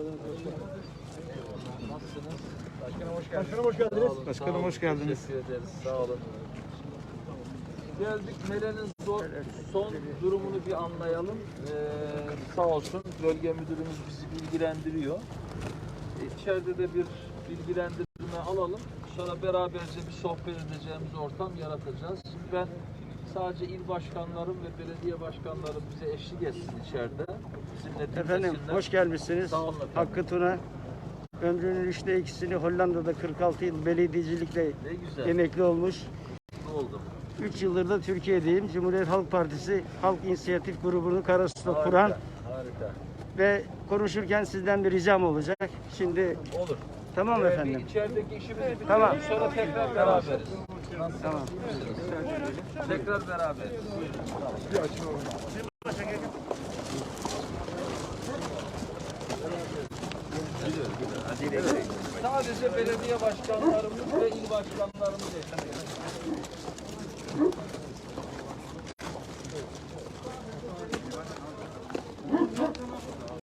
Nasılsınız? Başkanım hoş geldiniz. Başkanım hoş geldiniz. Teşekkür ederiz. Sağ olun. Geldik. Mele'nin son durumunu bir anlayalım. Sağ olsun bölge müdürümüz bizi bilgilendiriyor. İçeride de bir bilgilendirme alalım. Sonra beraberce bir sohbet edeceğimiz ortam yaratacağız. Şimdi ben sadece il başkanlarım ve belediye başkanlarım bize eşlik etsin içeride. Bizimle Efendim hoş gelmişsiniz. Sağ olun efendim. Hakkı Tuna. Ömrünün 3'te 2'sini Hollanda'da 46 yıl belediyecilikle emekli olmuş. Ne oldu? 3 yıldır da Türkiye'deyim. Cumhuriyet Halk Partisi Halk İnisiyatif Grubu'nu Karasu'da kuran Harika. ve konuşurken sizden bir ricam olacak. Şimdi Olur. tamam efendim. Bir içerideki işimizi bitirelim. Tamam. Sonra tekrar beraberiz. Tamam. Tekrar beraberiz. Buyurun. Sadece belediye başkanlarımız ve il başkanlarımız eşlik